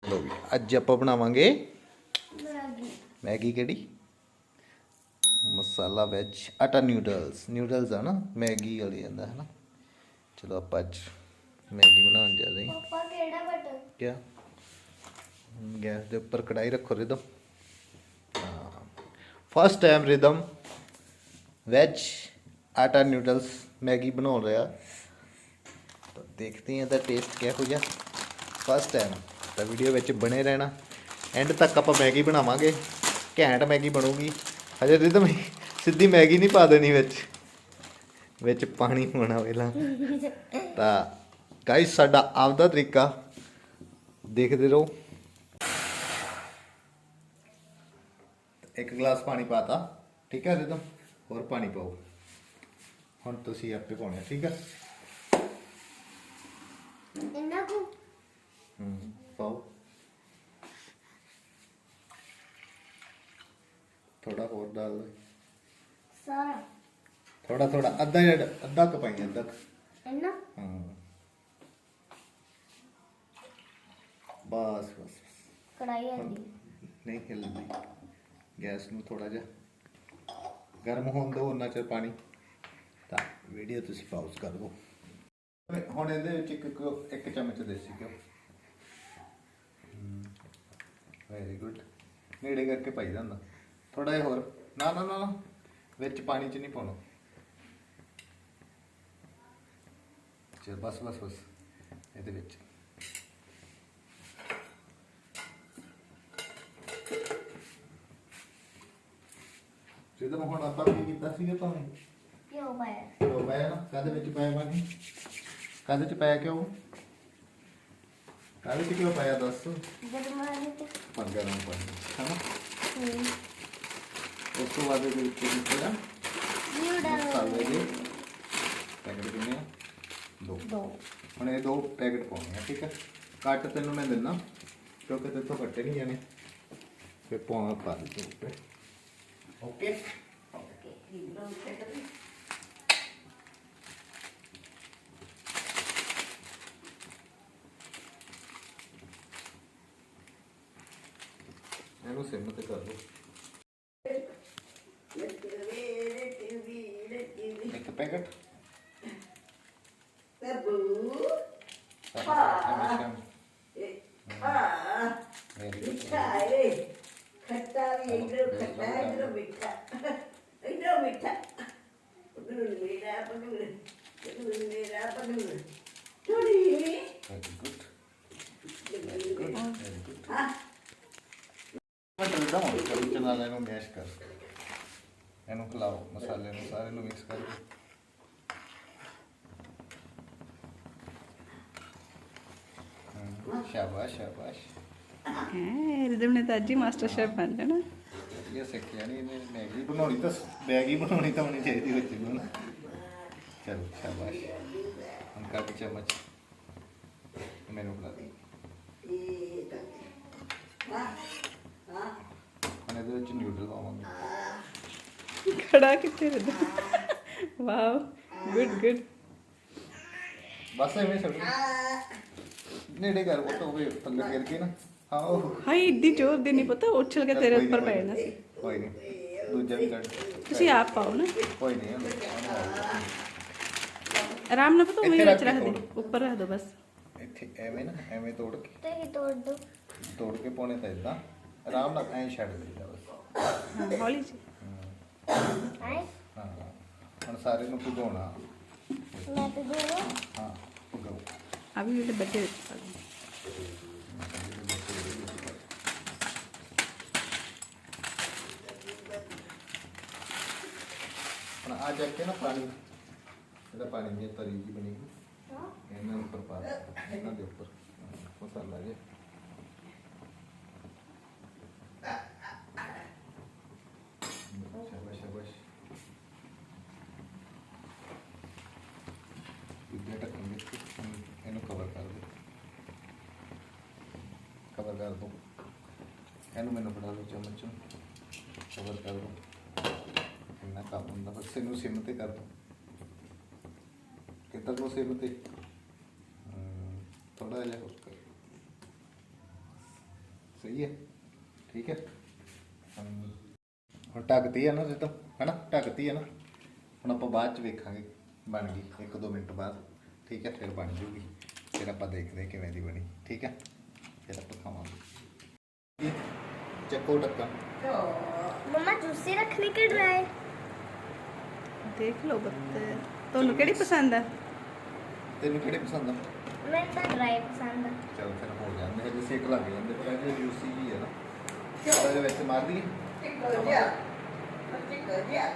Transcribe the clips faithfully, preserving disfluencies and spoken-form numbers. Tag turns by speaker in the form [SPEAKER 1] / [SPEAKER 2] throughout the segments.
[SPEAKER 1] लो भी अज आप बनावांगे मैगी केड़ी masala veg atta noodles noodles है ना मैगी वाली आंदा है ना। चलो आप अज मैगी बनाने जा रहे हैं।
[SPEAKER 2] पापा केड़ा बटन
[SPEAKER 1] क्या गैस के उपर कढ़ाई रखो रिदम। हाँ first time Rhythm veg atta noodles Maggi बना रहा। तो देखते हैं तो टेस्ट क्या हो जा फर्स्ट टाइम। तो वीडियो में बने रहना एंड तक आप मैगी बनावांगे घैंट मैगी बनूगी। हजे रिदम सीधी मैगी नहीं पा देनी विच विच पानी होना पहला। तो गाइस साडा आपदा तरीका देखते रहो। एक गिलास पानी पाता ठीक है रिदम और पानी पाओ हुण तुसीं आपे पाउणा ठीक है।
[SPEAKER 2] इन्ना को
[SPEAKER 1] हम्म पाओ थोड़ा और डाल दो
[SPEAKER 2] सारा
[SPEAKER 1] थोड़ा थोड़ा अद्धा या अद्धा कप पाई अद्धा क-
[SPEAKER 2] इन्ना
[SPEAKER 1] हाँ बस बस बस
[SPEAKER 2] कढ़ाई आंदी
[SPEAKER 1] नहीं हिलनी गैस ਨੂੰ थोड़ा जा गर्म होने दो उन्ना चਿਰ पानी। ਤਾਂ ਵੀਡੀਓ ਤੁਸੀਂ ਪਾਉਜ਼ ਕਰ ਦਿਓ। ਹੁਣ ਇਹਦੇ ਵਿੱਚ ਇੱਕ ਘਿਓ ਇੱਕ ਚਮਚ ਦੇਸੀ ਘਿਓ ਵੈਰੀ ਗੁੱਡ ਨੇੜੇ ਕਰਕੇ ਪਾਈ ਜਾਂਦਾ ਥੋੜਾ ਜਿਹਾ ਹੋਰ ਨਾ ਨਾ ਨਾ ਵਿੱਚ ਪਾਣੀ 'ਚ ਨਹੀਂ ਪਾਉਣਾ। ਚਲ ਬਸ ਬਸ ਬਸ ਇਹਦੇ ਵਿੱਚ ਜਦੋਂ ਹੁਣ ਆਪਾਂ ਕੀ ਕੀਤਾ ਸੀਗਾ ਭਾਵੇਂ
[SPEAKER 2] क्यों पाया
[SPEAKER 1] ਘਿਓ ਪਾਇਆ ਨਾ ਕਾਹਦੇ ਵਿੱਚ ਪਾਇਆ ਪਾਣੀ ਕਾਹਦੇ 'ਚ ਪਾਇਆ ਘਿਓ ਕਾਹਦੇ 'ਚ ਘਿਓ ਪਾਇਆ ਦੱਸ
[SPEAKER 2] गरम आने ते
[SPEAKER 1] ਪਰ ਗਰਮ ਪਾਣੀ ਹਨਾ।
[SPEAKER 2] हम्म
[SPEAKER 1] ਉਸ ਤੋਂ ਬਾਅਦ ਇਹਦੇ ਵਿੱਚ ਕੀ ਪਾਇਆ
[SPEAKER 2] ये डाल
[SPEAKER 1] ਮਸਾਲੇ ਦੇ ਪੈਕਟ ਕਿੰਨੇ ਆ ਦੋ
[SPEAKER 2] दो
[SPEAKER 1] ਹੁਣ ਇਹ ਦੋ ਪੈਕਟ ਪਾਉਣੇ ਆ ਠੀਕ ਹੈ। ਕੱਟ ਤੈਨੂੰ ਮੈਂ ਦਿੰਦਾ ਕਿਉਂਕਿ ਤੇਥੋਂ ਕੱਟੇ ਨਹੀਂ ਜਾਣੇ ਫਿਰ ਪਾਉਣਾ ਪਾ ਦੇ ਉੱਤੇ ਓਕੇ। ਇਹਨੂੰ ਸਿਮ ਤੇ ਕਰ ਦੋ ਇੱਕ ਪੈਕਟ वेरी गुड
[SPEAKER 3] खट्टा भी इधर खट्टा है इधर मीठा इधर मीठा पकड़ मेरा पकड़ पकड़ मेरा पकड़ थोड़ी
[SPEAKER 1] very good very good very good. मैं डरदा हूं कभी चना लेनो मैश कर ਇਹਨੂੰ ਖਿਲਾਓ ਮਸਾਲੇ ਨੂੰ ਸਾਰੇ ਨੂੰ ਮਿਕਸ ਕਰਕੇ शाबाश शाबाश
[SPEAKER 4] रिदम ने तो अज ही मास्टर शेफ बन जाना।
[SPEAKER 1] ये सिक्खिया नहीं इन्हें मैगी बनानी तो मैगी बनानी तो होनी चाहिए बच्चे को ना। चलो शाबाश हम काट चम्मच मैंने खिला दी हम ਇਹਦੇ ਵਿੱਚ ਨਿਊਡਲ ਪਾਵਾਂਗੇ।
[SPEAKER 4] खड़ा कितने रिदम वाह गुड गुड
[SPEAKER 1] बस ਐਵੇਂ ਛੱਡ ਨੇੜੇ ਕਰ ਉਹ ਤਾਂ ਹੋਵੇ ਥੱਲੇ ਗਿਰ ਕੇ ਨਾ ਹਾਂ ਉਹ
[SPEAKER 4] हाय इतनी जोर दी नहीं पता उछल के तेरे ऊपर पै जाना सी।
[SPEAKER 1] ਕੋਈ ਨਹੀਂ ਦੂਜਾ ਵੀ ਕੱਢ
[SPEAKER 4] तुसी आप पाओ ना
[SPEAKER 1] ਕੋਈ ਨਹੀਂ ਉਹਨੂੰ
[SPEAKER 4] आराम ना पता
[SPEAKER 1] ਇੱਥੇ
[SPEAKER 4] वहीं
[SPEAKER 1] ਰੱਖ
[SPEAKER 4] रख
[SPEAKER 1] ਕੇ
[SPEAKER 4] दे
[SPEAKER 1] ਤੋੜ।
[SPEAKER 4] ऊपर रख दो बस।
[SPEAKER 1] ਇੱਥੇ ਐਵੇਂ ਨਾ ਐਵੇਂ ਤੋੜ ਕੇ
[SPEAKER 2] ते ही तोड़ दो
[SPEAKER 1] ਤੋੜ ਕੇ ਪਾਉਣੇ ਤਾਂ ਇਦਾਂ ਆਰਾਮ ਨਾਲ ਐਂ ਛੱਡ ਦੇਈਦਾ ਬਸ।
[SPEAKER 4] हाँ हौली जी
[SPEAKER 2] आए
[SPEAKER 1] ਹਾਂ ਹੁਣ ਸਾਰੇ ਨੂੰ ਭਿਗਾਉਣਾ
[SPEAKER 2] मैं तो दो
[SPEAKER 1] ਹਾਂ ਭਿਗਾਓ
[SPEAKER 4] अभी मेरे बच्चे
[SPEAKER 1] ਹੁਣ ਆ ਜਾ ਕੇ ਨਾ ਪਾਣੀ ਇਹਦਾ ਪਾਣੀ ਦੀ ਤਰੀ ਜੀ ਬਣੇਗੀ ਇਹਨਾਂ ਉੱਪਰ ਪਾ ਦੇ ਇਹਨਾਂ ਦੇ ਉੱਪਰ ਮਸਾਲਾ ਜੇ शाबाश शाबाश इधर ढक्कन दे ਇਹਨੂੰ ਕਵਰ ਕਰ ਦੋ ਕਵਰ ਕਰ ਦੋ ਇਹਨੂੰ ਮੈਨੂੰ ਬਣਾ ਲਓ ਚਮਚ ਕਵਰ ਕਰ ਦੋ ਇੰਨਾ ਕੰਮ ਹੁੰਦਾ ਬਸ ਇਹਨੂੰ ਸਿਮ ਤੇ ਕਰ ਦੋ ਕਿੱਧਰ ਨੂੰ ਸਿਮ ਤੇ ਥੋੜਾ ਜਿਹਾ ਹੋਰ ਕਰ ਸਹੀ ਹੈ ਠੀਕ ਹੈ ਹਮ, ਹੁਣ ਢੱਕਤੀ ਹੈ ਨਾ ਰਿਦਮ ਹਨਾ ਢੱਕਤੀ ਹੈ ਨਾ ਹੁਣ ਆਪਾਂ ਬਾਅਦ ਚ ਵੇਖਾਂਗੇ ਬਣ ਗਈ ਇੱਕ ਦੋ ਮਿੰਟ ਬਾਅਦ ਠੀਕ ਹੈ ਫਿਰ ਬਣ ਜੂਗੀ ਫਿਰ ਆਪਾਂ ਦੇਖਦੇ ਹਾਂ ਕਿਵੇਂ ਦੀ ਬਣੀ ਠੀਕ ਹੈ ਫਿਰ ਆਪਾਂ ਖਾਵਾਂਗੇ ਚੱਕੋ ਢੱਕਣ
[SPEAKER 2] मम्मा जूसी रखने के ड्राई
[SPEAKER 4] ਦੇਖ ਲਓ ਬੱਤੇ ਤੁਹਾਨੂੰ ਕਿਹੜੀ ਪਸੰਦ ਆ
[SPEAKER 1] ਤੈਨੂੰ ਕਿਹੜੇ ਪਸੰਦ ਆ
[SPEAKER 2] मैं तो ड्राई पसंद है
[SPEAKER 1] ਚਲ ਫਿਰ ਹੋ ਜਾਂਦੇ ਹਜੇ ਸੇਕ ਲੱਗ ਜਾਂਦੇ ਪਰ ਇਹ ਜੂਸੀ ਜੀ ਹੈ ਨਾ ਇਹਦੇ ਵਿੱਚ ਮਾਰ ਦਈਏ
[SPEAKER 3] ਚਿੱਕੋ ਜਿਹਾ ਚਿੱਕੋ ਜਿਹਾ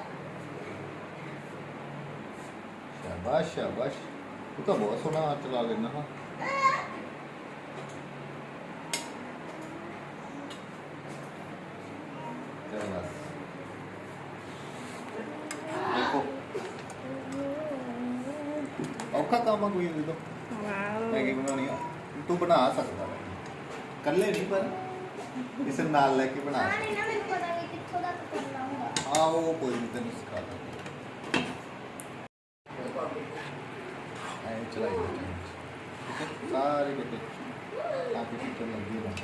[SPEAKER 1] ਸ਼ਾਬਾਸ਼ ਸ਼ਾਬਾਸ਼ ਤੂੰ ਤਾਂ ਬਹੁਤ ਸੋਹਣਾ ਹੱਥ ਚਲਾ ਲੈਣਾ ਹਾਂ ਚਲ ਬਸ ਦੇਖੋ ਔਖਾ ਕੰਮ ਆ ਕੋਈ ਨਹੀਂ ਤਾਂ
[SPEAKER 4] ਵਾਓ
[SPEAKER 1] ਮੈਗੀ ਬਣਾਉਣੀ ਆ ਤੂੰ ਬਣਾ ਸਕਦਾ ਹੈ ਇਕੱਲੇ ਨਹੀਂ ਪਰ ਕਿਸੇ ਨੂੰ ਨਾਲ ਲੈ ਕੇ ਬਣਾ
[SPEAKER 2] हाँ
[SPEAKER 1] ਸਕਦਾ
[SPEAKER 2] नहीं ना मेरे को पता नहीं कित्थों तक करना होगा
[SPEAKER 1] ਹਾਂ ਉਹ ਕੋਈ ਨਹੀਂ ਤੈਨੂੰ ਸਿਖਾ ਦਾਂ ਐ ਚਲਾਈ ਜਾ ਠੀਕ ਹੈ ਸਾਰੇ ਕਿਤੇ ਆ ਕੇ ਕਿਤੇ ਲੱਗੀ ਨਾ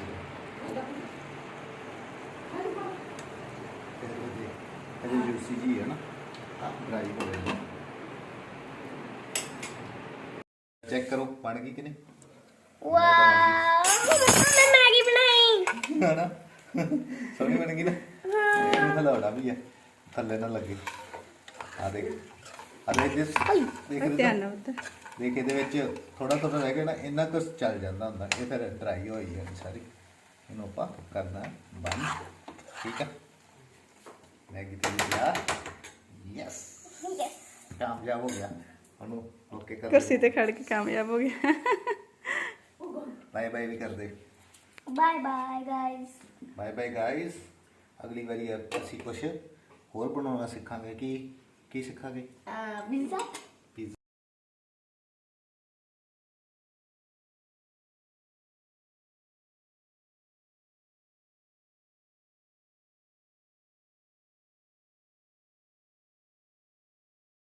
[SPEAKER 1] ਇਹ ਜੂਸੀ ਜੀ ਹੈ ਨਾ ਆ ਡਰਾਈ ਹੋ ਰਹੀ ਹੈ ਚੈੱਕ ਕਰੋ ਬਣ ਗਈ ਕਿ ਨਹੀਂ
[SPEAKER 2] वाह मैंने मैगी बनाई
[SPEAKER 1] ਹੈ ਨਾ ਸੋਹਣੀ ਬਣ ਗਈ ਨਾ ਇਹਨੂੰ ਹਲਾਉਣਾ ਵੀ ਹੈ ਥੱਲੇ ਨਾ ਲੱਗੇ ਆ ਦੇਖ ਆ ਦੇਖ ਜਿਸ ਦੇਖ
[SPEAKER 4] ਧਿਆਨ
[SPEAKER 1] ਰਿਹਾ
[SPEAKER 4] ਨਾਲ ਉੱਧਰ
[SPEAKER 1] ਦੇਖ ਇਹਦੇ ਵਿੱਚ ਥੋੜਾ ਥੋੜਾ ਰਹਿ ਗਿਆ ਨਾ ਇੰਨਾ ਕੁ ਚੱਲ ਜਾਂਦਾ ਹੁੰਦਾ ਇਹ ਫਿਰ ਡਰਾਈ ਹੋਈ ਹੈ ਸਾਰੀ ਇਹਨੂੰ ਆਪਾਂ ਕਰਨਾ ਬੰਦ ਠੀਕ ਹੈ ਮੈਗੀ ਤੇ ਲਿਆ ਯੈਸ
[SPEAKER 2] यस
[SPEAKER 1] ਕਾਮਯਾਬ ਹੋ ਗਿਆ ਉਹਨੂੰ ਓਕੇ ਕਰ
[SPEAKER 4] ਕੁਰਸੀ ਤੇ ਖੜ ਕੇ ਕਾਮਯਾਬ ਹੋ ਗਿਆ
[SPEAKER 1] ਬਾਏ ਬਾਏ ਵੀ ਕਰ ਦੇ
[SPEAKER 2] bye bye guys
[SPEAKER 1] bye bye guys ਅਗਲੀ ਵਾਰੀ ਅਸੀਂ ਕੁਝ ਹੋਰ ਬਣਾਉਣਾ ਸਿੱਖਾਂਗੇ ਕੀ ਕੀ ਸਿੱਖਾਂਗੇ
[SPEAKER 2] पिज्जा